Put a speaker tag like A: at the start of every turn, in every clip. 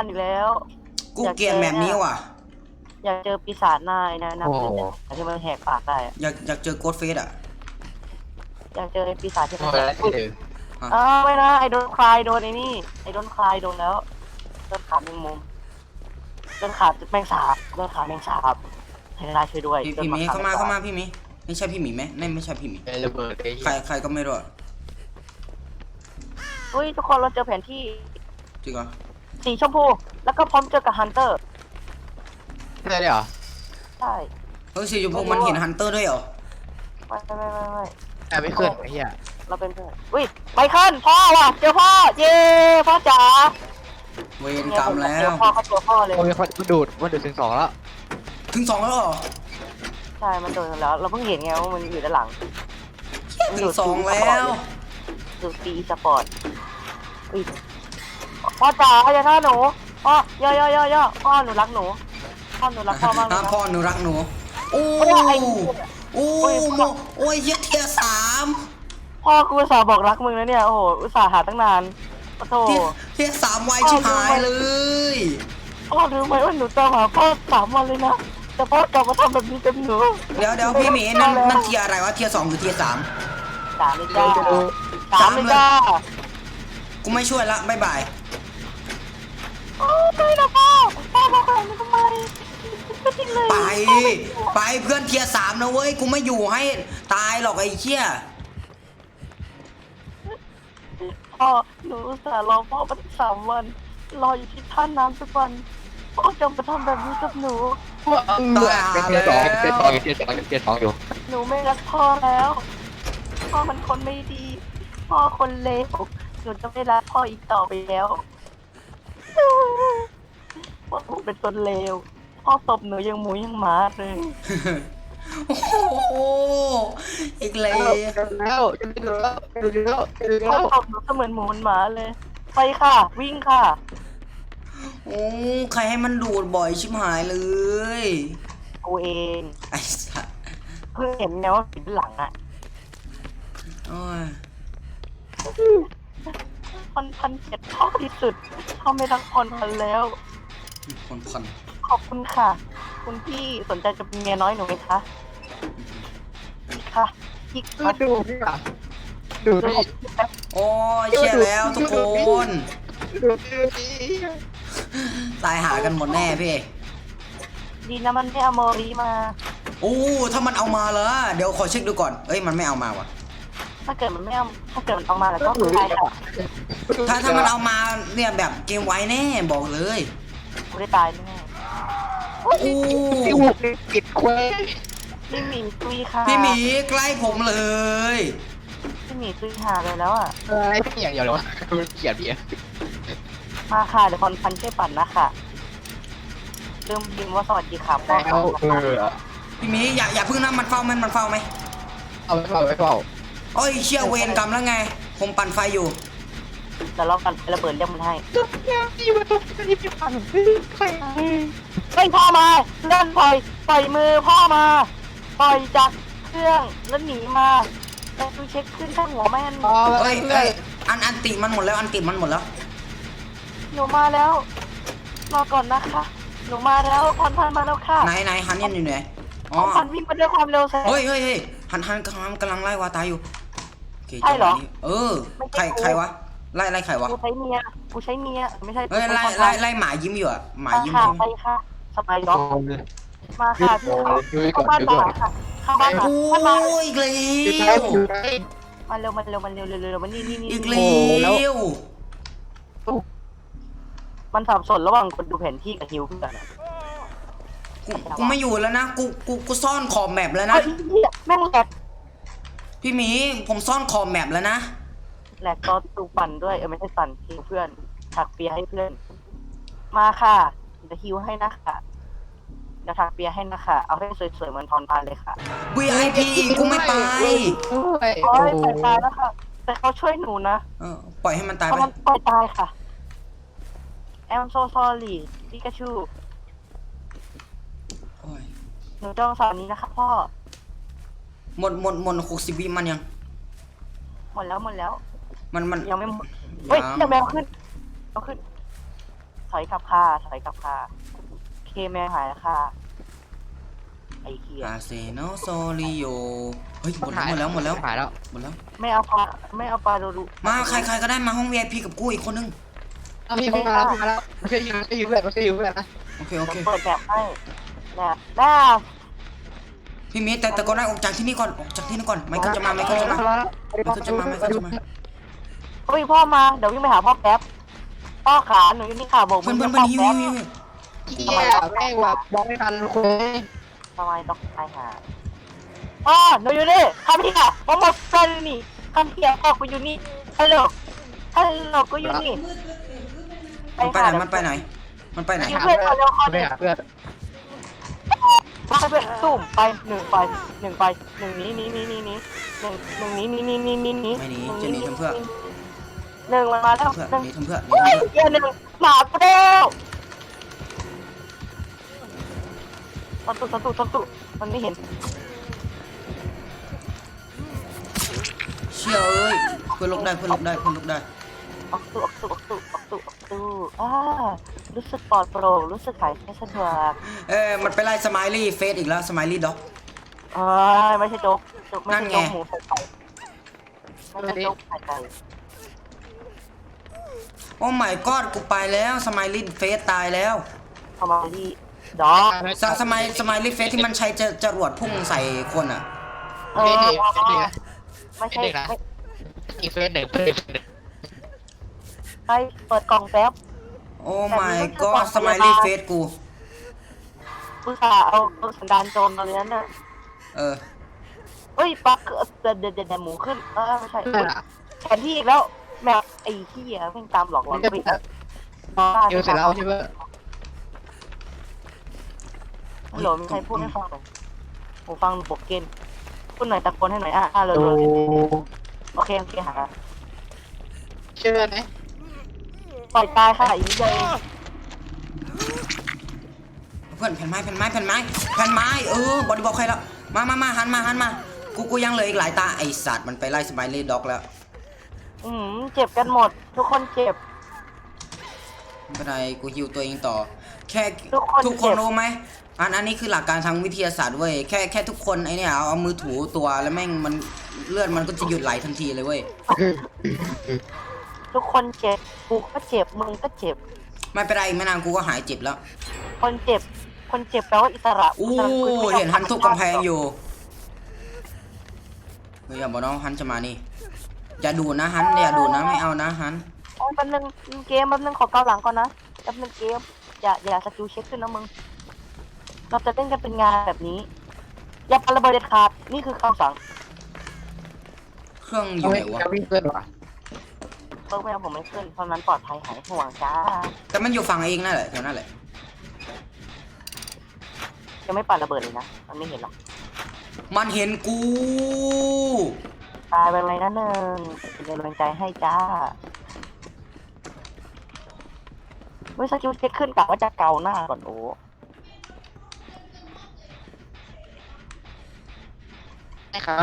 A: านอีกแล้ว
B: กูเกลียดแบบนี้ว่ะ
A: อยากเจอปีศาจนายนะที่มันแหกปากได้
B: อยากเจอโกดเฟสอ่ะ
A: อยากเจอไอ้ปีศาจที่มัน
B: ไม่
A: นะไอ้โดนคลายโดนไอ้นี่ไอ้โดนคลายโดนแล้วโดนขาแมงมุมโดนขาแมงสาบโดนขาแมงสาบให้นายช่วยด้วย
B: พี่หมีเข้ามาพี่หมีไม่ใช่พี่หมีไหมไม่ใช่พี่หมี
C: ระเบิด
B: ใครก็ไม่รู้
A: เฮ้ยทุกคนเราเจอแผนที่
B: จริงเหรอ
A: สีชมพูแล้วก็พร้อมเจอกับฮันเตอร์
C: ใช่เหรอ
A: ใช่
B: สีชมพูมันเห็นฮันเตอร์ด้วยเหรอ
A: ไม่
C: ไม่ขึ้นไอ้เหี้ย
A: เราเป็นเพื่อนอุ้ยไปขึ้นพ่อว่ะเจอพ่อเย้พ่อจ๋า
B: เวรกรรมแล้ว
A: พ่อเขาตัวพ่อเลย
C: มันดูดถึง2แล้ว
B: ถึง2แล้วเหรอ
A: ใช่มันโดนแล้วเราเพิ่งเห็นไงว่ามันอยู่ด้านหลัง
B: ถึง2แล้ว
A: ดูปีสปอร์ตพ่อจ๋าอย่าฆ่าหนูพ่อย่อพ่อหนูรักหนูพ่อหนูรักพ่อมากเลยนะ
B: พ่อหนูรักหนูโอ้ยเทีย3
A: พ่อกูอุตส่าห์บอกรักมึงนะเนี่ยโอ้โหอุตส่าห์หาตั้งนานขอโทษ
B: เทีย3ไวชิบหายเลย
A: พ่อรู้ไหมว่าหนูตามหาพ่อ3 วันเลยนะแต่พ่อกลับมาทำแบบนี้กับหนู
B: เดี๋ยวพี่หมีนั่นเทียอะไรวะเทีย2หรือเทีย3
A: 3เลยจ้า3เลยจ้า
B: กูไม่ช่วยละบ๊ายบาย
A: ไม่นะพ่อมาขนาดนี้ทำไม
B: ไปเพื่อนเทีย3นะเว้ยกูไม่อยู่ให้ตายหรอกไอ้เชี่ย
A: พ่อหนูอุตส่าห์รอพ่อมา3 วันรออยู่ที่ท่าน้ำทุกวันพ่อจะมาทำแบบนี้กับหนู
C: เป็นเทียร์2อยู่
A: หนูไม่รักพ่อแล้วพ่อมันคนไม่ดีพ่อคนเลวหนูจะไม่รักพ่ออีกต่อไปแล้วพ่อเป็นคนเลวพ่อตบหนูยังหมูยังหมาเลย
B: โอ้โหอีกแล้ว
A: พ่อตบหนูเสมือนหมูหมาเลยไปค่ะวิ่งค่ะ
B: โอ้ใครให้มันดูดบ่อยชิบหายเลย
A: กูเอง
B: ไอ้สัส
A: เพิ่งเห็นไงว่าผิดหลังอ่ะพันเจ็ดพ่อที่สุดพ่อไม่รักพันแล้วขอบคุณค่ะคุณพี่สนใจจะเป็นเมียน้อยหนูไหมคะค่ะพี่
C: ดูพี่
B: โอ้ยเชี่ยแล้วทุกคนตายหากันหมดแน่พี่
A: ดีนะมันไม่เอาโมรีมา
B: โอ้ถ้ามันเอามาแล้วเดี๋ยวขอเช็คดูก่อนเอ้ยมันไม่เอามาวะ
A: ถ้าเกิดมันเอามาแล้วก็คือใครค่ะ
B: ถ้ามันเอามาเนี่ยแบบเกมไว้แน่บอกเลย
A: กูได้ตายแน่
C: โอ้พี่หุบปิดเควส
A: พี่หมีตุยค่ะ
B: พี่หมีใกล้ผมเลย
A: พี่หมีตุยหาเลยแล้วอ่ะ
C: พี่อย่างเดียวเลยวะมันเกลียดพี่
A: มาค่ะเดี๋ยวพันช่วยปั่นนะค่ะลืมพิมพ์ว่าสวัสดีค่ะพ่อ
B: พี่หมีอย่าพึ่งนะมันเฝ้าไหม
C: เอาไม่เฝ้า
B: โอ้ยเชี่ยเวรกรรมแล้วไงผมปั่นไฟอยู่
A: แต่เรากันระเบิดเรียกมันให้พ่อมาเล่นปล่อยมือพ่อมาปล่อยจากเครื่องแล้วหนีมาแต่ดูเช็คขึ้นข้างหัวแม่น
B: เอ้ยอันติมันหมดแล้ว
A: หนูมาแล้วรอก่อนนะคะหนูมาแล้วพันมาแล้วค่ะ
B: ไหนฮันเนี่ยอยู่ไหน
A: อ๋อพันวิ่งมาด้วยความเร็วแสง
B: เฮ้ยฮันกำลังไล่วาตายอยู่
A: ใช่เหรอ
B: ใครวะไล่ใครวะ
A: กูใช้เมียไม่ใช่
B: ไล่หมายิ้มอยู่อ่ะหมายิ้ม
A: ไปค่ะสบายด็อกมาค่ะเข้าบ้านค่ะเข้าบ้านค่ะ
B: โอ้ยอีกแล้ว
A: มาเร็วมานี่
B: อีกแล้ว
A: มันสับสนระหว่างคนดูแผนที่กับฮิวเพื่อน
B: กูไม่อยู่แล้วนะกูซ่อนขอบแมปแล้วนะ
A: แม่งแหลก
B: พี่หมีผมซ่อนขอบแมปแล้วนะ
A: แหลกก็ตูปั่นด้วยไม่ใช่ปั่นฮิวเพื่อนถักเปียให้เพื่อนมาค่ะจะฮิวให้นะคะจะถักเปียให้นะคะเอาให้สวยๆเหมือนทอนพานเลยค่ะ
B: VIP กูไม่ไป
A: ตายแล้วค่ะแต่เขาช่วยหนูนะ
B: ปล่อยให้มันตายไป
A: ปล่อยตายค่ะI'm so sorry ปิกาชูหนูจ้องสาวนี้นะคะพ่อ
B: หมด60 วิมันยัง
A: หมดแล้ว
B: มัน
A: ยังไม่หมดเฮ้ยยังแมวขึ้นเอาขึ้นถอยกลับค่ะถอยกลับค่ะเคแมงหายแล้วค่ะไอ้เหี้ย
B: อาเซโนโซริโยเฮ้ยหมดแล้ว
C: หายแล้ว
A: ไม่เอาปลาโดรุ
B: มาใครก็ได้มาห้อง VIP กับกูอีกคนนึง
C: เอาพี่มาแล้วไม่ใช่ยืมเพื่อนไม่ใช่ยืมเพื่อนนะ
B: โอเค
A: เปิดแบบให้แบบแม่
B: พี่มีแต่ก็ได้ออกจากที่นี่ก่อนไม่ก็จะมา
A: เฮ้ยพ่อมาเดี๋ยววิ่งไปหาพ่อแป๊บพ่อขาหนูอยู่นี่ค่ะบอก
B: เพื่อน
A: พ่อ
B: หิว
A: แป๊บ
C: เฮียแม่งว่ะบอกไม่ทันคุย
A: ทำไมต้องไปหาพ่อหนูอยู่นี่คัมเฮียผมหมดกันนี่คัมเฮียพ่อกูอยู่นี่ฮัลโหลกูอยู่นี่
B: มันไปไหน
A: เพื่อนเอาเร็วคอ
C: ไป
A: เด็ก
C: หาเพื่อน
A: มาเพื่อนตุ่มไปหนึ่งนี้หนึ่งมันมาแล้ว
B: เพื่อน
A: หนึ่ง
B: นี่ทำเพื่อน
A: เฮ้ยเดี๋ยวหนึ่งหมากูเร็วสันตุมันไม่เห็น
B: เชี่ยเอ้ยเพื่อนลกได้
A: ออกตู้รู้สึกปลอดโปร่งรู้สึกหายใจสะดวก
B: มันไปไล่สไมลี่เฟสอีกแล้วสไมลี่ด็อก
A: ไม่ใช่โจ๊กไม่ใช่โจ๊กหมูใส่ไก่ไม่ใช่โจ๊กใส่ไก่
B: โอ้ my god กูไปแล้วสไมลี่เฟสตายแล้ว
A: ทำไมที่ดอก
B: สไมลี่เฟสที่มันใช้จรวดพุ่งใส่คนอ่ะ
A: ไม่ใช่
C: อีเฟสหนึ่ง
A: ไปเปิดกล่องแป๊บ
B: โอ้ my god สไมลี่เฟสกู
A: ผู้ชายเอาสันดานโจรตอนนี้น่ะ เฮ้ยปักเดินหมูขึ้นไม่ใช่แผนที่อีกแล้วแมวไอ้ขี้อ่ะเพิ่งตามหลอกเราไป
C: ยูเสร็จแล้วใช่ไหม
A: ฮัลโหลมีใครพูดให้ฟังหน่อยผมฟังโปกเกนพูดหน่อยตะโกนให้หน่อยเลยโอเคหา
C: เชื่อไหม
A: ปล่อยตายค่ะอีเลย
B: เพื่อนแผ่นไม้บอดี้บอกใครแล้วมาหันมากูยังเหลืออีกหลายตาไอสัตว์มันไปไล่สไมลี่ด็อกแล้ว
A: เจ็บกันหมดทุกคนเจ็บ
B: ไม่เป็นไรกูฮิวตัวเองต่อแค่ทุกคนรู้ไหมอันนี้คือหลักการทางวิทยาศาสตร์เว้ยแค่ทุกคนไอเนี่ยเอามือถูตัวแล้วแม่งมันเลือดมันก็จะหยุดไหลทันทีเลยเว้ย
A: ทุกคนเจ็บกูก็เจ็บมึงก็เจ็บ
B: ไม่เป็นไรไม่นานกูก็หายเจ็บแล้ว
A: คนเจ็บแปลว่าอิสระ
B: อู้เห็นฮันทุบกำแพงอยู่เฮ้ยอย่าบอกน้องฮันจะมานี่อย่าดูนะฮันอย่าดูนะไม่เอานะฮัน
A: แป๊บนึงเกมแป๊บนึงขอเกาหลังก่อนนะแป๊บนึงเกมอย่าสกิลเช็คขึ้นนะมึงเราจะเล่นกันเป็นงานแบบนี้อย่าปาระเบิดเด็ดขาดนี่คือคำสั่ง
B: เครื่องอยู่ไหนวะ
C: จะวิ่งเพื่อนวะ
A: เพิ่มไม่เอาผมไม่ขึ้นเพราะนั้นปลอดภัยหายห่วงจ้า
B: แต่มันอยู่ฝั่งเองนั่นแหละแถวนั่นแหละ
A: ยังไม่ปาระเบิดเลยนะมันไม่เห็นหรอก
B: มันเห็นกู
A: ตายไปเลยนะหนึ่งเป็นกำลังใจให้จ้าเมื่อสกิลเช็คขึ้นกะว่าจะเกาหน้าก่อนโอ้
C: ใช่ครับ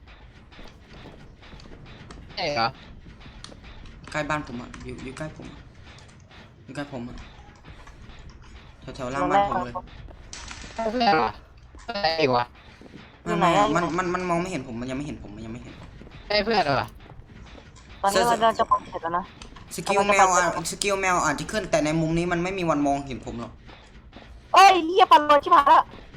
C: ใช่เหรอ
B: ใกล้บ้านผมอ่ะอยู่ใกล้ผมอยู่ใกล้ผมอ่ะแถวล่างบ้านผมเลย
C: ใช่เพื่อนเหรอใช่เองวะ
B: ไม่มันมองไม่เห็นผมมันยังไม่เห็นผม
C: ใช่เพื่อนเหรอ
A: ตอนนี้เราจะปลดเสร็จแล้วนะ
B: สกิลแมวอาจจะขึ้นแต่ในมุมนี้มันไม่มีวันมองเห็นผมหรอก
A: เอ้ยเหี้ยปันเลยชิบหายละ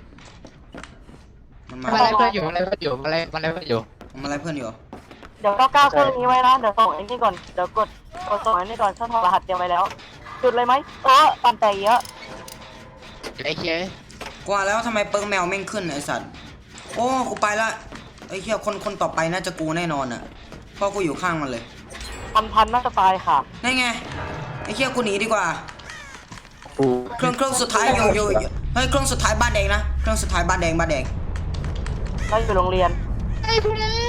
B: มัน
C: มาอะไรเพื่อนอยู่มาอะไรเพื่อนอยู่มาอะไรเพื่อนอยู่
B: อะไรเพื่อนอยู่
A: เดี๋ยวก้าวเครื่องนี้ไว้นะเดี๋ยวส่งไอ้นี่ก่อนเดี๋ยวกดส่งไอ้นี่ก่อนช่องรหัสเตรียมไว้แล้วจุดเลยไหมปันแต่เยอะ
C: ไอ้เคีย
B: กว่าแล้วทำไมเปิ้งแมวแม่งขึ้นไอสัตว์โอ้กูไปละไอ้เหี้ยคนต่อไปน่าจะกูแน่นอนอ่ะเพราะกูอยู่ข้างมันเลย
A: พันน่าจะตายค่ะ
B: นั่นไงไอ้เหี้ยกูหนีดีกว่าเครื่องสุดท้ายอยู่เฮ้ยเครื่องสุดท้ายบ้านแดงนะเครื่องสุดท้ายบ้านแดง
A: เราอยู่โรงเรียน
C: ไอ้เพื่อนแล้ว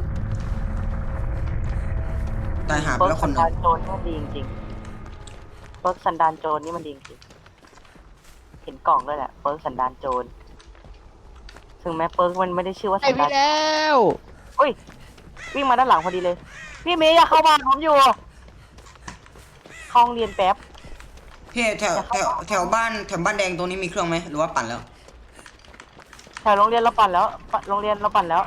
B: ตายหาไป
A: เปิร์
B: แล้ว
A: ก
B: ค
A: สั
B: น
A: น
B: หนึ่
A: ดาง นโจรนี่มันดีจริงๆเปิร์กสันดานโจรนี่มันดีจริงเห็นกล่องด้วยแหละเปิร์กสันดานโจรถึงแม้เปิร์กมันไม่ได้ชื่อว่า
C: ไอ้
A: สันดา
C: พี่
A: น
C: แล้ว
A: อุ้ยวิ่งมาด้านหลังพอดีเลยพี่เมย์อย่าเข้าบ้านผมอยู่เข้าห้องเรียนแป๊บ
B: พี่แถวบ้านแดงตรงนี้มีเครื่องไหมหรือว่าปั่นแล้ว
A: แถวโรงเรียนเราปั่นแล้วโรงเรียนเราปั่นแล้ว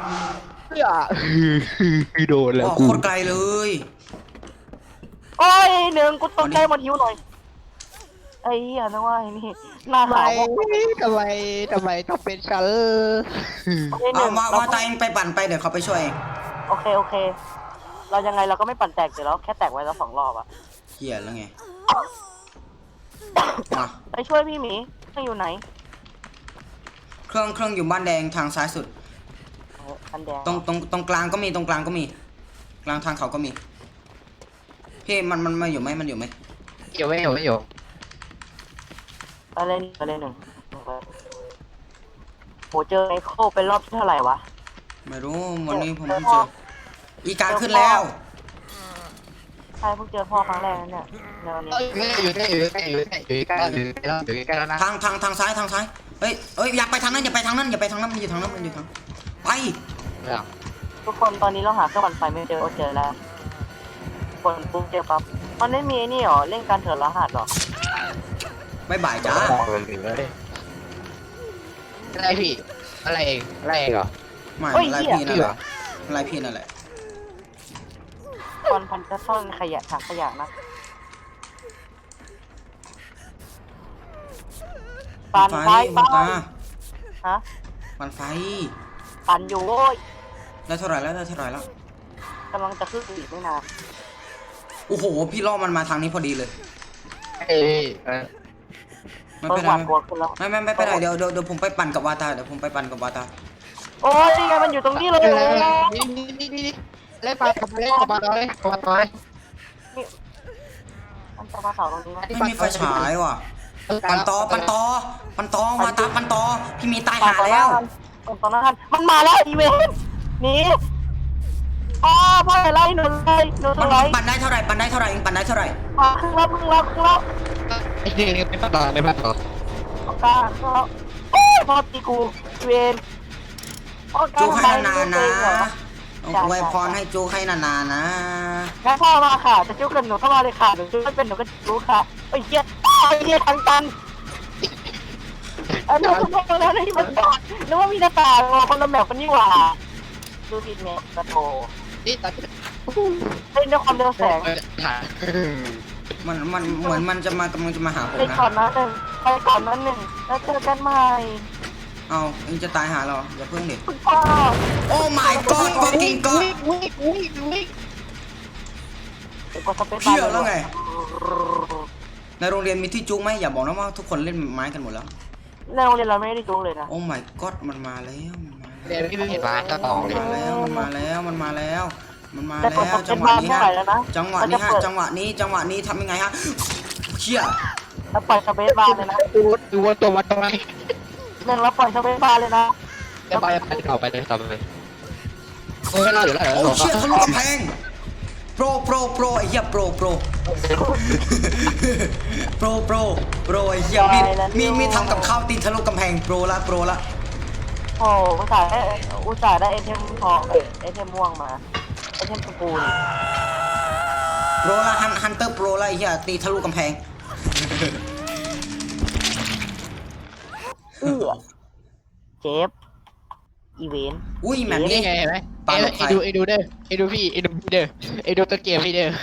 C: โดนแล้ว
B: อ๋อ
C: กู
B: โคตรไกลเลย
A: โอ้ยหนึ่งกูตกใจหมดหิวหน่อยไอ้เหี้ยนึกว่าไอ้นี่หน้า
C: ทำไม
A: ขาวพวก
C: ทำไมต้องเป็นฉัน
A: ไอ้หนึ่
B: เอา
A: ง
B: มาตาเองไปปั่นไปเดี๋ยวเขาไปช่วยเอง
A: โอเคเรายังไงเราก็ไม่ปั่นแตกอยู่แล้วแค่แตกไว้แล้ว2 รอบอะ
B: เหี้ยแล้วไงมา
A: ไปช่วยพี่หมีไม่อยู่ไหน
B: เครื่องอยู่บ้านแดงทางซ้ายสุด
A: อันแดง
B: ตรงกลางก็มีกลางทางเขาก็มีพี่มันมาอยู่ไหมมันอยู่ไหม
C: อยู่ไม่อยู่
A: ไปเลยหนึ่งโหเจอไอ้โคเป็นรอบที่เท่าไหร่วะ
B: ไม่รู้วันนี้ผมเพิ่งเจออีกาขึ้นแล้ว
A: ใช่เพิ่งเจอพ่อครั้งแรกนั่นเนี่ยเดี๋ยวนี้
C: อยู่ใกล้แล้วนะ
B: ทางซ้ายเฮ้ยอย่าไปทางนั้นอย่าไปทางนั้นมันอยู่ทางนั้นไป
A: ทุกคนตอนนี้เราหาเครื่องปั่นไฟไม่เจอเจอแล้วคนปุ๊บเจอปั๊บมันไม่มีไอ้นี่หรอเล่นการเถิดรหัสหรอ
B: บ๊ายบายจ้า
C: อะไรพี่อะไรเองเหรอ
B: ไม่อะไรพี่นั่นแหละอะไรพี่นั่นแหละ
A: ตอนพันจะซ่อนขยะถังขยะนะปั่นไฟ
B: มันตา
A: ฮะ
B: มันไฟ
A: ปั่นอยู่โว้ย
B: แล้วเท่าไหร่แล้ว
A: กำลังจะขึ้นอีกไม่นาน
B: โอ้โหพี่ล่อมันมาทางนี้พอดีเลยไม่
A: เปิ
B: เป็
A: ด
B: น
A: ห
B: ไร
A: วาดกลัวขึ้นแล้ว
B: ไม่เป็นไรเดี๋ยวผมไปปั่นกับวาตา
A: โอ้ยนี่ไงมันอยู่ตรงนี้เลย
C: นี่เล่นปลากับปลาเลย
A: มันจะมาเสาตรงนี้ไหม
B: ไม่มีไฟฉายว่ะปั่นต่อวาตาปั่นต่อพี่มีตายหาแล้ว
A: ตอนนั้นมันมาแล้วอีเวนต์หนีพ่ออะไรหนูเลยหนู
B: มัน
A: เลย
B: ปั่นได้เท่าไหร่เองปั่นได้เท่าไหร่
A: มาครึ่งแล้ว
C: ไอ้นี่ไม่ปลาไม่ปลาต่อก
A: ล้าแล้วพ่อตีกูเวนพ่อกล้า
B: จูให้
A: ทำไม
B: นานๆนะ
A: เหรอ
B: อวยพรให้จูให้นานๆนะ
A: งั้นพ่อมาค่ะจะจุกกันหนูเข้ามาเลยค่ะหนูจุกไม่เป็นหนูก็จุกค่ะไอ้เจี๊ยทางตันหนูขโมยแล้วนี่มันจอดนึกว่ามีหน้าต่างคนละแบบกันนี่หว่าดูผิดเมฆกระโถ
C: นี่ตัด
A: เล่นด้วยความเร็วแสง
B: มันเหมือนมันจะกำลังจะมาหาผม
A: ไป
B: นะ
A: ก่อนนะหนึ่งไปก่อนนะหนึ่งแล้วเจอกันใหม่
B: เอาเองจะตายหาเราอย่าเพิ่งเด็ด
A: คุณพ่อ
B: โอ้ my god fucking god
A: กดสเปซ
B: เพี้ยแล้วไง ในโรงเรียนมีที่จุกไหมอย่าบอกนะว่าทุกคนเล่นไม้กันหมดแล้ว
A: ในโรงเรียนเราไม่ได้จุกเลยนะ
B: โอ้ my god มันมาแล้ว
C: เดี๋ยวพี่ไม่เห็นปลาก็ต่อเลย
B: มันมาแล้ว
A: แต่กดสเป
B: จั
A: ซ
B: งหวะ
A: บาร์
B: นี้
A: เท่า
B: ฮะ
A: ไหร่แล้วนะ
B: จังหวะนี้ทำยังไงฮะเชี่ย
A: แล้วปล่อยสเปซบาร์เลยนะ
C: ดูว่าตัวมันทำไม
A: หนึ่งแล้วปล่อยสเปซบาร์เลยนะ
C: จะไปต่อไปเลยโอ้ยเราเดี๋ยว
B: โอ้เชี่ยทะลุกำแพงโปรไอ้เหี้ยโปรไอ้เหี้ยมีทำกับข้าวตีนทะลุกำแพงโปรละ
A: โอ้อุตส่าห์ได้ไอเทมทองไอเทมม่วงมาไอเทมสกูล
B: โปรละฮันเตอร์โปรละไอ้เหี้ยตีทะลุกำแพง
A: เจฟอีเวนต์
B: อุ้ยแบบนี้
C: นี่ไงเห็นไหมไอ้ดูเด้อไอ้ดูพี่ไอ้ดูตัวเกมพี่เด้อ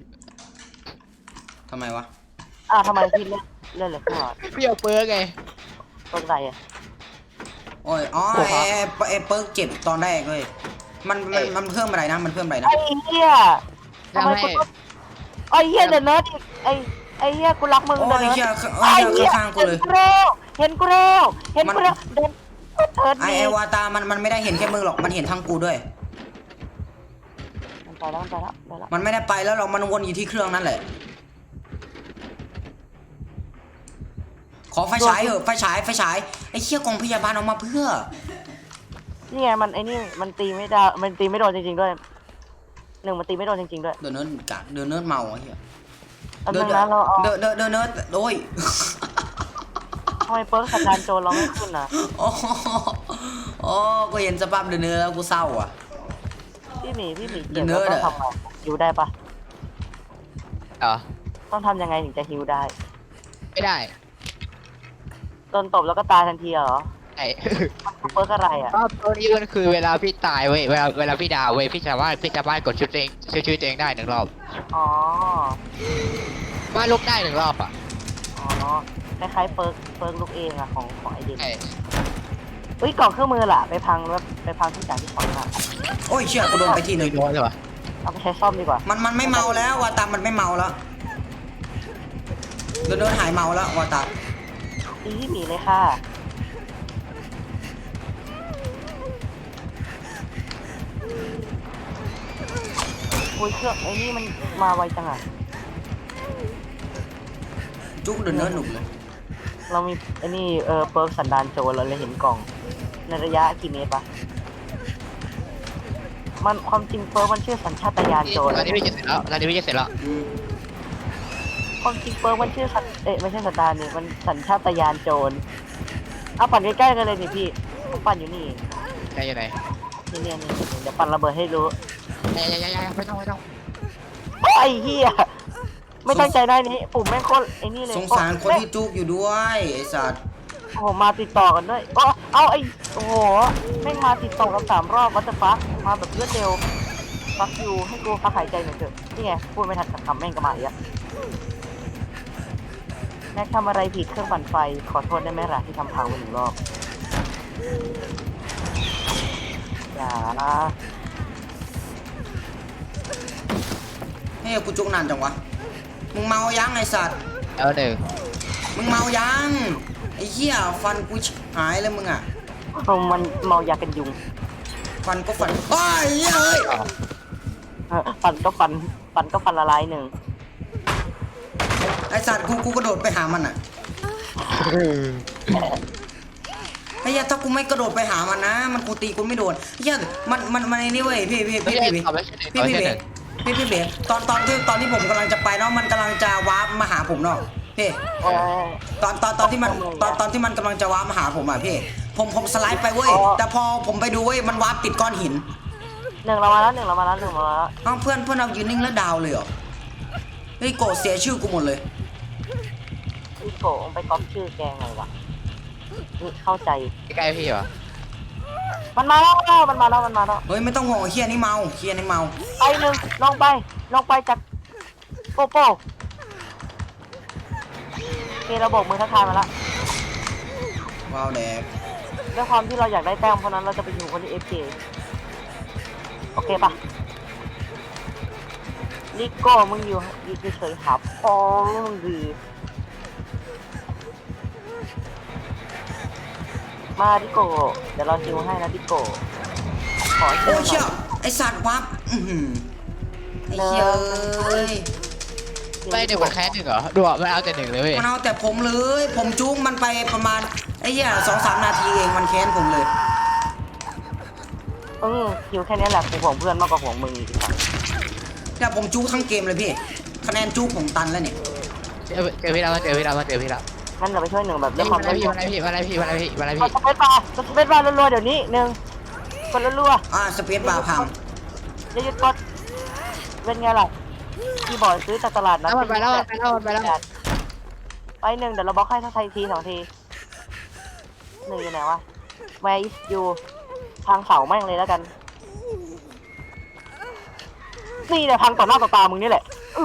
B: ทำไมวะ
A: ทำไมพี่เล่นเลยขึ้นมา
C: พี่เอาเปิร์กไง
A: ต้นไรอ่ะ
B: โอ้ยอ๋อไอ้เปิร์กเจ็บตอนแรกเลยมันเพิ่มอะไรนะมันเพิ่มอะไรนะ
A: ไอ้เหี้ยทำไมกูไอ้เหี้ยเดนเนิร์ดไอ้เหี้ยกูรักมึง
B: โอ้
A: เดน
B: ย
A: เนิร์ด
B: เหี้ย
A: ไอ้เหี้ย
B: ข้างกูเลย
A: เห็นกูแล้วเดนเทิร์ด
B: ไอ้วาตามันไม่ได้เห็นแค่มึงหรอกมันเห็นทั้งกูด้วย
A: มันไปแล้ว
B: มันไม่ได้ไปแล้วหรอกมันวนอยู่ที่เครื่องนั่นแหละขอไฟฉายเถอะไฟฉายไอ้เชี่ยกองพยาบาลออกมาเพื่อ
A: นี่ไงมันไอ้นี่มันตีไม่ได้มันตีไม่โดนจริงๆด้วยหนึ่งมันตีไม่โดนจริงๆด้วย
B: เดินเนิร์ดเมาไอ้เหี้ย
A: อันนึงนะเราเอา
B: เดินเนิร์ดโอ้ย
A: ทำไมเปิร์กสัญญาณโจรเราไม่ขึ้นอ่ะ
B: โอ้กูเห็นสภาพเดินเนิร์ดแล้วกูเศร้าอ่ะ
A: พี่หมีเก็บแล้วต้องทำไงฮิวได้ปะต้องทำยังไงถึงจะฮิวได้
C: ไม่ได้
A: โดนตบแล้วก็ตายทันทีเหรอ
C: ไอ้
A: เปิร์กอะไรอ่ะ
C: ก็ตัวนี้มันคือเวลาพี่ตายเว้ยเวลาพี่ดาวเว้ยพี่สามารถกดชุดตัวเองชื่อตัวเองได้1 รอบ
A: อ๋อ
C: ว่าลุกได้1 รอบอ่ะ
A: อ๋อคล้ายๆเปิร์กลูกเองอะของไอเด็ก
C: ไอ้
A: เฮ้ยกล่องเครื่องมือล่ะไปพังที่จ่ายที่ของมา
B: โอ้ยเชี่ยกูโดนไปทีหนึ่ง
C: โดนเลยวะ
A: เอาไปใช้ซ่อมดีกว่า
B: มันไม่เมาแล้ววาตามันไม่เมาแล้วโดนหายเมาแล้ววาตา
A: ดีที่หมีเลยค่ะโอ้ยเครื่องไอ้นี่มันมาไวจังอะ
B: จุกเดินเนื้อหนุกเลย
A: เรามีไอ้นี่เปิร์กสันดานโจรเราเลยเห็นกล่องในระยะกี่เมตรปะมันความจริงเปิร์กมันชื่อสัญชาตญาณโจร
C: ตอนนี้พี่จะเสร็จแล้ว
A: ความจริงเปิร์กมันชื่อไม่ใช่สันดานนี่มันสัญชาตญาณโจรเอาปั่นใกล้ๆกันเลยนี่พี่ผมปั่นอยู่นี่
C: ใช่ยังไง
A: นี่เดี๋ยวปั่นระเบิดให้รู้
C: ยังไม่ต้อง
A: โอ้ยไอ้เหี้ยไม่ตั้งใจได้นี่ปุ่มแม่งโคตรไอ้นี่เลย
B: สงสารคนที่จุกอยู่ด้วยไอ้สัตว์
A: โอ้โหมาติดต่อกันด้วยเอาไอ้โอ้โหแม่งมาติดต่อกัน3 รอบวัตถุฟักมาแบบรวดเร็วฟักยูให้กูพักหายใจหน่อยเถอะนี่ไงพูดไม่ทันคำแม่งก็มาอีกแล้วแม็กทำอะไรผิดเครื่องปั่นไฟขอโทษได้ไหมล่ะที่ทำพังไป1 รอบอย่านะ
B: เฮ้ยกูจุกนานจังวะมึงเมายังไอ้สัตว์
C: แล้วหนึ่ง
B: มึงเมายังไอ้เหี้ยฟันกูหายเลยมึงอ่ะ
A: มันเมายากันยุง
B: ฟันก็ฟันโอ้ยเหี้ยเอ้ย
A: ฟันก็ฟันละลาย1
B: ไอ้สัตว์กูกระโดดไปหามันอ่ะไอ้เหี้ยถ้ากูไม่กระโดดไปหามันนะมันกูตีกูไม่โดนไอ้เหี้ยมันไอ้นี่เว้ยพี่เบสตอนที่ผมกำลังจะไปเนาะมันกำลังจะวาร์ปมาหาผมเนาะพี่ตอนที่มันกำลังจะวาร์ปมาหาผมอ่ะพี่ผมสไลด์ไปเว้ยแต่พอผมไปดูเว้ยมันวาร์ปติดก้อนหิน
A: 1เรามาแล้ว1มาแล้ว
B: อ้าวเพื่อนเอายืนนิ่งแล้วดาวเลยเหรอเฮ้ยโกรธเสียชื่อกูหมดเลย
A: พี่โกงไปก๊อปชื่อแกไงวะนี่เข้าใจ
C: ใกล้พี่วะ
A: มันมาแล้ว
B: เฮ้ยไม่ต้องห่วงเฮียนี่เมา
A: ไป1ลงไปจากโปโป้โอเคเราโบกมือทักทายมาละ
B: ว้าวแดก
A: ด้วยความที่เราอยากได้แต้มเพราะนั้นเราจะไปอยู่คนที่ FK โอเคปะนิโก้มึงอยู่เฉยๆครับพอมึงดีมาดิโก้เดี๋ยวเราฮิวให้นะดิโก้ขอฮิ
B: โอ้
A: วห
B: เชี่
A: น่
B: ย
A: อย
B: ไอสัตว์วับไอเชี่ยเอ้ย
C: ไม่1มันแค่1เหรอดูมันเอาแต่1เลยเว้ย
B: มันเอาแต่ผมเลยผมจุ้งมันไปประมาณไอ้เหี้ย2-3 นาทีเองมันแค้นผมเลย
A: ฮิวแค่นี้แหละกูห่วงเพื่อนมากกว่าห่วงมึงอีกครับ
B: แต่ผมจุ้ทั้งเกมเลยพี่คะแนนจุ้ผมตันแล้วเนี่ย
C: เจอพี่แล้ว
A: งั้นเดี๋ยวไปช่วย1แบบ
C: มา
A: ด้วยความ
C: พี่
A: สเปซบาร์รัวๆเดี๋ยวนี้1กดรัว
B: สเปซบาร์พัง
A: ๆอย่าหยุดกดเป็นไงล่ะคีย์บอร์ดซื้อจากตลาดนะ
C: ไปแล้ว
A: ไป1เดี๋ยวเราบล็อกให้สักที2 ที1อยู่ไหนวะ Where is you ทางเสาแม่งเลยแล้วกันนี่เนี่ยพังต่อหน้าต่อตามึงนี่แหละ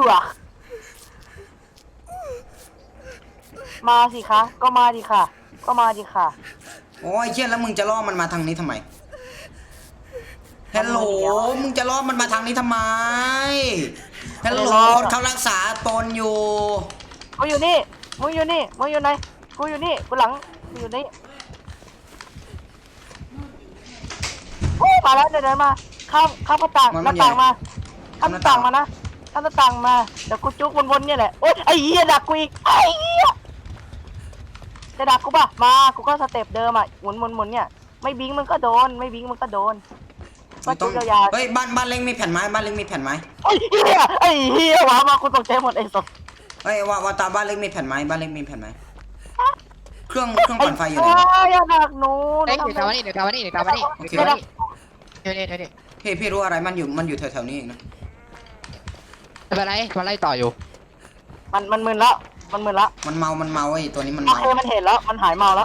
A: มาสิคะก็มาดิค่ะ
B: โอ้ยเชี่ยแล้วมึงจะล่อมันมาทางนี้ทำไมฮัลโหลมึงจะล่อมันมาทางนี้ทำไมฮัลโหลคนเขารักษาตนอยู่
A: มึงอยู่ไหนกูอยู่นี่กูหลังกูอยู่นี่มาแล้วเดินมาข้ามหน้าต่างมาข้ามหน้าต่างมานะข้ามหน้าต่างมาเดี๋ยวกูจุกวนๆเนี่ยแหละโอ๊ยไอ้เหี้ยดักกูอีกไอ้เหี้ยจะดักกูป่ะมากูก็สเต็ปเดิมอ่ะหมุนเนี่ยไม่บิงมึงก็โดนก็จุกยาวๆ
B: เฮ้ยบ้านเล็กมีแผ่นไม้ไ
A: ไอ้เหี้ยวะมากูตกใจหมดไอ้สัส
B: เฮ้ยว่าตาบ้านเล็กมีแผ่นไม้เครื่องปั่นไฟอยู่ไหน
A: อย่าดักหนู
C: เดี๋ยวกลับมานี่เดี๋ยว
B: พี่รู้อะไรมันอยู่แถวๆนี้เองนะ
C: ไม่เป็นไรมันไล่ต่ออยู่
A: มันมึนแล้วมันมึนละ
B: มันเมาไอ้ตัวนี้มัน
A: โอ
B: เมา
A: เคมันเห็นแล้วมันหายเมาแล้ว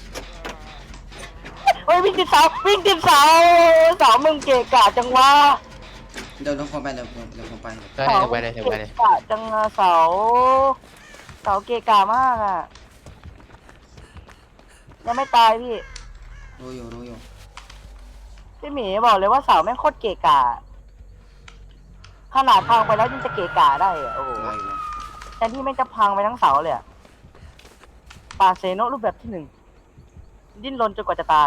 A: เฮ้ยวิ่งติดเสาเสามึงเกะกะจังวะ
B: เดี๋ยวผมไปเดี๋ยวผมไป
C: ไปเลย
A: เกะกะจังอะเสาเกะกะมากอ่ะยังไม่ตายพี่
B: รู้อยู่
A: พี่หมีบอกเลยว่าเสาแม่งโคตรเกะกะขนาดพังไปแล้วยังจะเกะกะได้อะโอ้โห
B: อะไรวะ
A: แทนที่แม่งจะพังไปทั้งเสาเลยอะปาเซโนรูปแบบที่ 1ดิ้นรนจนกว่าจะตาย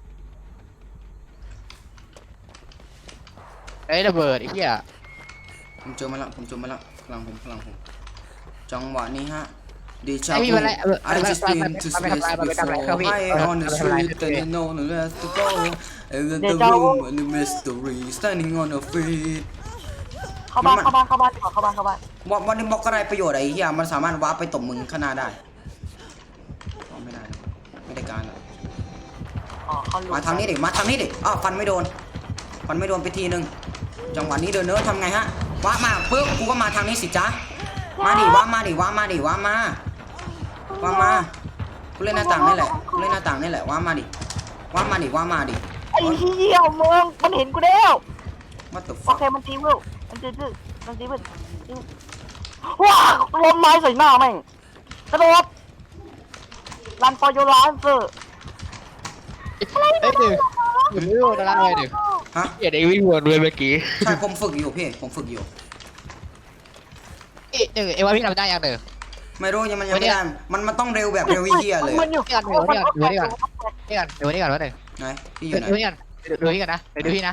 C: ไอ้ระเบิดไอ้เหี้ย
B: ผมเจอมาแล้วพลังผมจังหวะนี้ฮะดีชา
C: ไอ้พี่มาไล่
B: I just been to space before I on the street and you know the rest to go and then the room and the mystery standing on the feet
A: เข้าบ้านดีกว่าเข้าบ้าน
B: วันนี้บอกอะไรประโยชน์ไอ้เหี้ยมันสามารถวาร์ปไปตบมึงข้างหน้าได้ไม่ได้การแล้ว
A: อ๋อเขารู้
B: มาทางนี้ดิอ้าวฟันไม่โดนไปทีนึงจังหวะนี้เดินเนื้อทำไงฮะว้ามาปึ๊บกูก็มาทางนี้สิจ๊ะมาดิว้ามากูเล่นหน้าต่างนี่แหละว้ามาดิ
A: ไอ้เหี้ยมึงมันเห็นกูแล้ว
B: What the
A: โอ
B: fuck
A: เคมันตีวิวว้าลมไม้ใส่หน้าแม่งกระโดดรันฟอร์ยูรันเซอร์
C: ไอ้หนึ่งไม่รู้จะรักอะไรหนึ่ง
B: ฮะ
C: เหี้ยเด็กวิ่งวนเลยเมื่อกี้
B: ใช่ผมฝึกอยู่พี่อยู่
C: หนึ่งไอ้ว่าพี่ทำได้ยังหนึ่ง
B: ไม่รู้ยังไม่ได้มันต้องเร็วแบบเร็วเหี้ยเลย
A: มันอยู่
C: นี่ก่อนวะหนึ่ง
B: ไหนพี่อยู่ไหน
C: ดูพี่กันนะดูพี่นะ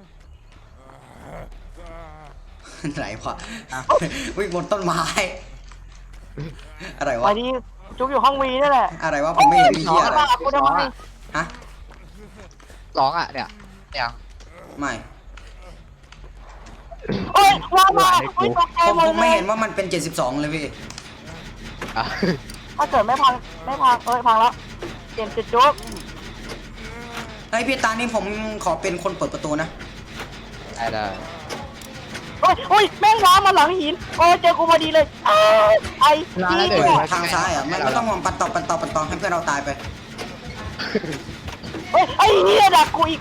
B: ไหนวะวิ่งบนต้นไม้อะไรวะ
A: วันนี้จุกอยู่ห้องวีนั่นแหละ
B: อะไรวะผมไม่เห็นมีเหี้ยอะไร
A: กูทำไม
B: ฮะ
C: ร้องอ่ะเนี่ย
B: ไม่
A: เอ้ยว้าว
B: ผมไม่เห็นว่ามันเป็น72เลยพี่
A: ถ้าเกิดไม่พังพังแล้วเปลี่ยนจุดจุก
B: ไอ้พี่ตานี่ผมขอเป็นคนเปิดประตูนะ
C: ได้
A: โอ้ยแม่งว้ามาหลังหินโอ้ยเจอกูพอดีเลยไอ้จี้
B: ทางซ้ายอ่ะไม่ต้องมองปัดต่อให้เพื่อนเราตายไป
A: เฮ้ยไอ้เหี้ยดักกูอีก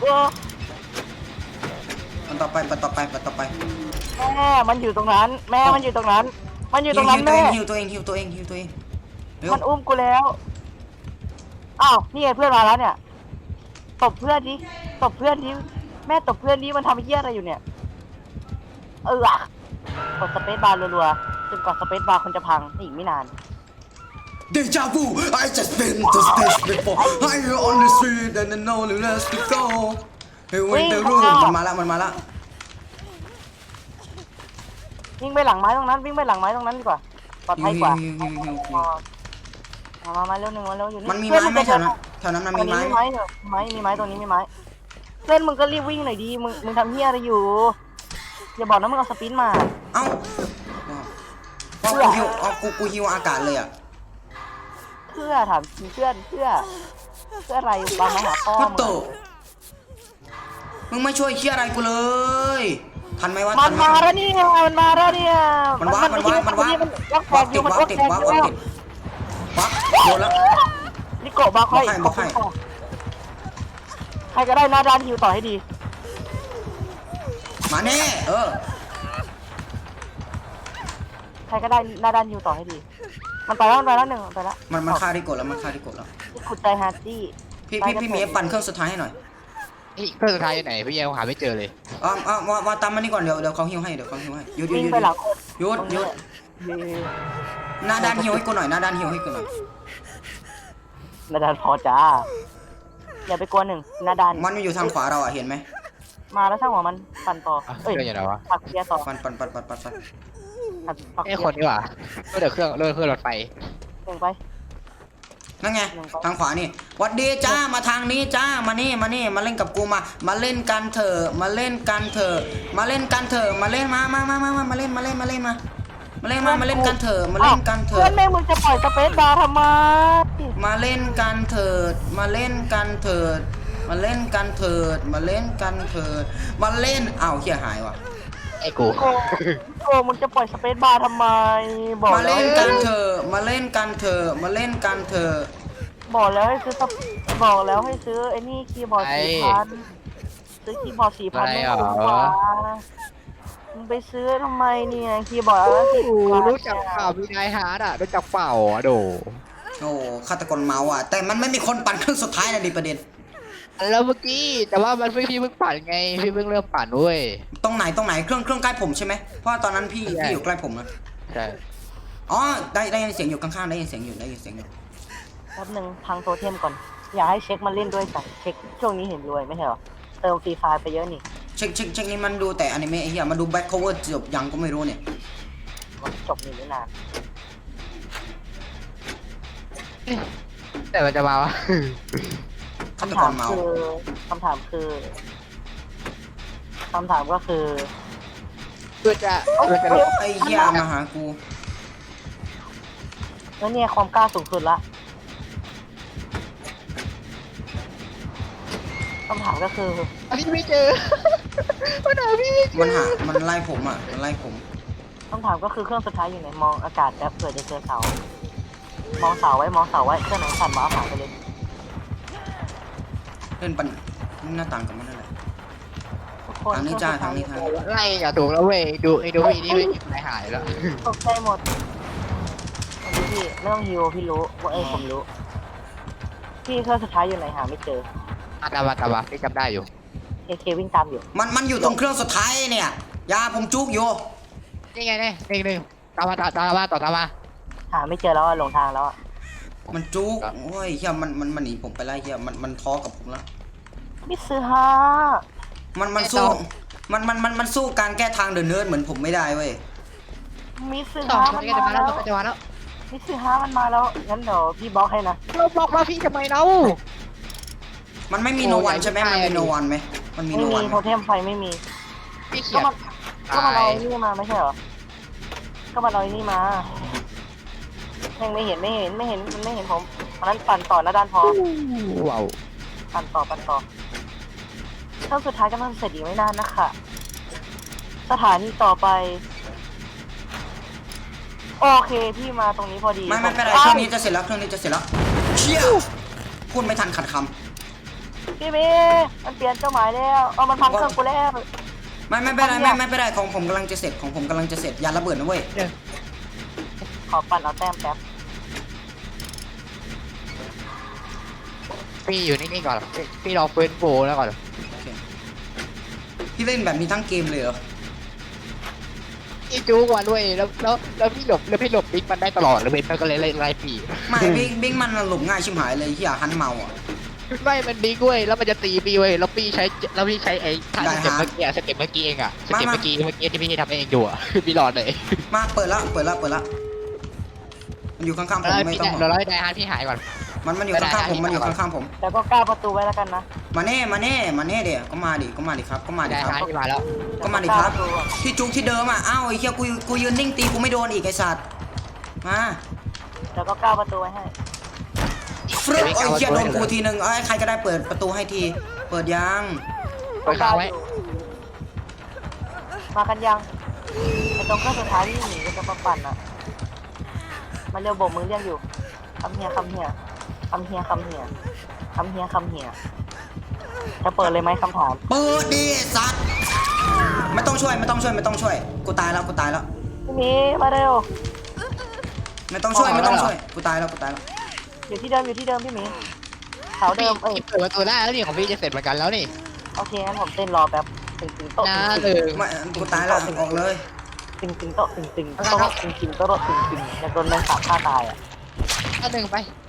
B: ปัดต่อไป
A: แม่มันอยู่ตรงนั้นแม่ฮิวตัวเองมันอุ้มกูแล้วอ้าวนี่ไงเพื่อนมาแล้วเนี่ยตบเพื่อนดิแม่ตบเพื่อนดิมันทำเหี้ยอะไรอยู่เนี่ยกดสเปซบาร์รัวๆจนกว่าสเปซบาร์คนจะพังอีกไม่นาน
B: Deja vu I just been to space before I on the street and I know the rest to go Hey wait the room มันมาละ
A: วิ่งไปหลังไม้ตรงนั้นดีกว่าปลอดภัยกว่ามาเร็วอยู่นี่
B: มันมีไม้ไหมแถวนั้นมันมีไม้
A: มีไม้ตรงนี้มีไม้เพื่อนมึงก็รีบวิ่งหน่อยดีมึงทำเหี้ยอะไรอยู่อย่าบอกนะมึงเอาสปินมา
B: เอ้ากูฮิวอากาศเลยอ่ะ
A: เพื่อถามเพื่ออะไรบางมาหาพ่อ
B: พัตโตมึงไม่ช่วยเชี่ยอะไรกูเลยทันไหมวะ
A: มันมาแล้วเนี่ย
B: มันวับติดวับโดนแล้ว
A: นี่โกะบาค่อยใครก็ได้หน้าด้านฮิวต่อให้ดี
B: มาแน่
A: ใครก็ได้หน้าด้านฮิวต่อให้ดีมันไปแล้วหนึ่งไปแล้ว
B: มันฆ่าที่กดแล้ว
A: ขุดใจฮาร์ตี้
B: พี่เมย์ปั่นเครื่องสุดท้ายให้หน่อย
C: นี่เครื่องสุดท้ายอยู่ไหนพี่ยังหาไม่เจอเลย
B: ว่าตามมานี่ก่อนเดี๋ยวเขาฮิวให้หยุด
A: วิ่งไปหลัง
B: หยุดหน้าด้านฮิวให้กูหน่อยหน้าด้าน
A: พอจ้าอย่าไปกลัวหนึ่งหน้าด้าน
B: มันอยู่ทางขวาเราอ่ะเห็นไหม
A: มาแล้วช่างหัวมันปั่นต่อ
C: เครื่องอย่างไรวะ
A: ปักเกียร์ต่อ
B: ปั่น
C: ไอ้คนนี่หว่าเดี๋ยวเครื่องรถไฟ
A: เก่งไป
B: นั่นไงทางขวานี่วัดดีจ้ามาทางนี้จ้ามานี่มาเล่นกับกูมาเล่นกันเถอะมาเล่นกันเถอะมาเล่นกันเถอะมาเล่นมาเล่นกันเถอะเพื่
A: อนแม่มึงจะปล่อยสเปซบาร์ทำไม
B: มาเล่นกันเถิดมาเล่นอ้าวเหี้ยหายว่ะ
C: ไอ้กู
A: โกมึงจะปล่อยสเปซบาร์ทำไมบอก
B: มา
A: แล้ว
B: เล่นกันเถอะมาเล่นกันเถอะมาเล่นกันเถอะ
A: บอกแล้วให้ซื้อบอกแล้วให้ซื้อไอ้นี่คีย์บอร์ด4,000ซื้อคีย์บอร์ด4,000ไม่คุ้มกว่ามึงไปซื้อทำไมเนี่ยคีย์บอร์ดละ10 บาท
C: รู้จักเปล่ามีนายฮาร์ดอ่ะรู้จักเปล่าอ่ะโด
B: โอ้ฆาตกรเมาอ่ะแต่มันไม่มีคนปั่นเครื่องสุดท้ายนะดิประเด็น
C: แล้วเมื่อกี้แต่ว่ามันพี่เพิ่งปั่นไงพี่เพิ่งเริ่มปั่นเว้ย
B: ตรงไหนเครื่องใกล้ผมใช่ไหมเพราะว่าตอนนั้นพี่อยู่ใกล้ผมนะ
C: ใช่
B: อ๋อได้ยินเสียงอยู่ข้างๆได้ยินเสียงอยู่
A: แป๊บนึงพังโทเทมก่อนอย่าให้เช็คมาเล่นด้วยสั่งเช็คช่วงนี้เห็นรวยไม่ใช่เหรอเติมฟรีไฟล์ไปเยอะนี่
B: เช็คนี่มันดูแต่อนิเมะไอ้เหี้ยมาดูแบ็คโคเวอร์จบยังก็ไม่รู้เนี่ย
A: มันจบนี่ไม่นาน
C: แต่มันจะมาวะ
B: ฆาต
A: คำ
B: ก
A: ถาร ม
B: เมา
A: คือคำถามก็คือ
C: ตัวจะ
B: ไอ้เหี้ยมาหากู
A: แล้วเนี่ยความกล้าสูงสุดละคำถามก็คือ
C: พี่ไม่เจอมันหาพี่ไม่เจอ
B: มันไล่ผมอ่ะมันไล่ผม
A: คำถามก็คือเครื่องสุดท้ายอยู่ไหนมองอากาศแล้วเผื่อจะเจอเสามองเสาไว้เครื่องไหนสั่นมาเอาหาไปเลย
B: เล่นปันหน้าต่างกับมันนั่นแหละ
A: ทุกคน
B: ทางนี้จ้าทางนี้ทางนี้
C: ไล่อย่าถูกแล้วเว้ยดูพี่นี่ไม่หายแล้ว
A: ตกใจหมดวันนี้พี่ไม่ต้องฮิวพี่รู้ว่าผมรู้พี่เครื่องสุดท้ายอยู่ไหนหาไม่เจอ
C: ตามพี่จำได้อยู่
A: เควิ่งตามอยู่
B: มันอยู่ตรงเครื่องสุดท้ายเนี่ยยาผมจุกอยู่
C: นี่ไงเนี่ยนี่ตามมา
A: หาไม่เจอแล้วอะหลงทางแล้วอะ
B: มันจุกโอ้ยเหี้ยมันหนีผมไปไล่เหี้ยมันท้อกับผมแล้ว
A: มิซื้อฮา
B: มันสู้มันสู้การแก้ทางเดินเนิร์ดเหมือนผมไม่ได้เว้ย
A: มิซื้อ
C: ต่อ
A: ฮา
C: มั
A: มัน น
C: จะ
A: มา
C: มาแล้
A: แล้ว ว
C: มันจะมาแล้ว
A: มิซื้อฮามันมาแล้วงั้นเดี๋ยวพี่บล็อกให้นะ
C: เราบอกว่าพี่ทำไมเรา
B: มันไม่มีโนวันใช่ไหมมันมีโนวันไหมมันมี
A: ไม่
B: โน
A: มี
B: วัน
A: โทเทมไฟไม่มี
C: พี่เขี
A: ก็
C: ยน
A: มันก็มันเอาไอ้นี่มาไม่ใช่เหรอก็มันเอาไอ้นี่มายังไม่เห็นมันไม่เห็นผมอันนั้นปั่นต่อนะด้านพอ
C: ว้าว
A: ปั่นต่อเครื่องสุดท้ายกำลังเสร็จอีกไม่นานนะคะสถานีต่อไปโอเคพี่มาตรงนี้พอดี
B: ไม่เป็นไรเครื่องนี้จะเสร็จแล้วเชี่ยพูดไม่ทันขัดค
A: พี่เมย์มันเปลี่ยนเจ้าหมายแล้วเอามันพังเครื่องกูแล้ว
B: ำไม่เป็นไรของผมกำลังจะเสร็จอย่าระเบิดนะเว้ย
A: ขอปั่นเอาแต้มแป๊บ
C: พี่อยู่นิ่งๆก่อนพี่รอฟื้นฟูแล้วก่อน
B: โอเคพี่เล่นแบบนี้ทั้งเกมเลยเหรอ
C: พี่จู๊กว่าด้วยแล้วพี่หลบบิ๊กมันได้ตลอดแล้วเบนมันก็เลยไล่พี่
B: ไม่บิ๊กมันหลบง่ายชิบหายเลยเหี้ยฮันเมาอ่ะ
C: ไม่มันบิ๊กเว้ยแล้วมันจะตีพี่เว้ยแล้วพี่ใช้ไอ้ท่าสเต็ปเมื่อกี้เองอะสเต็ปเมื่อกี้ที่พี่ทำเองอยู่อะพี่หลอดเลย
B: มาเปิดละมันอยู่ข้างๆผมไม่ต้อง
C: เราไล่ได้ฮาร์ดพี่หายก่อน
B: มันอยู่ข้างๆผม
A: แล้วก็ก้าวประตูไว้แล้วกันนะ
B: มาเน่เดี๋ยวก็มาดิครับ
C: ได้ฮาร์ดที่มาแล้ว
B: ก็มาดิครับที่จุกที่เดิมอ่ะอ้าวไอ้เหี้ยกูยืนนิ่งตีกูไม่โดนอีกไอ้สัตว์มา
A: แล้วก็ก้าวประตูไว้ให้
B: ฟรึ๊บไอ้เหี้ยโดนกูทีนึงใครก็ได้เปิดประตูให้ทีเปิดยัง
C: เปิดค้างไว้
A: มากันยังไอตรงเครื่องสุดท้ายที่หนีก็จะมาปั่นอ่ะมาเร็วโบกมือเรียกอยู่คำเฮียจะเปิดเลยไหมคำถาม
B: เปิดดิสัตว์ไม่ต้องช่วยกูตายแล้ว
A: พี่หมีมาเร็ว
B: ไม่ต้องช่วยกูตายแล้ว
A: อยู่ที่เดิมพี่หมีเสา
C: พี่
A: เดิมเอ้ย
C: เปิดประตูได้แล้วนี่ของพี่จะเสร็จเหมือนกันแล้วนี่
A: โอเคงั้นผมเต้นรอแป๊บตึงโต๊ะ
C: น่าเลย
B: ไม่กูตายแล้วออกเลย
A: ตึงโต๊ะตึงแล้วโดนแมงสาบฆ่าตายอ่ะ
C: อันหนึ่งไป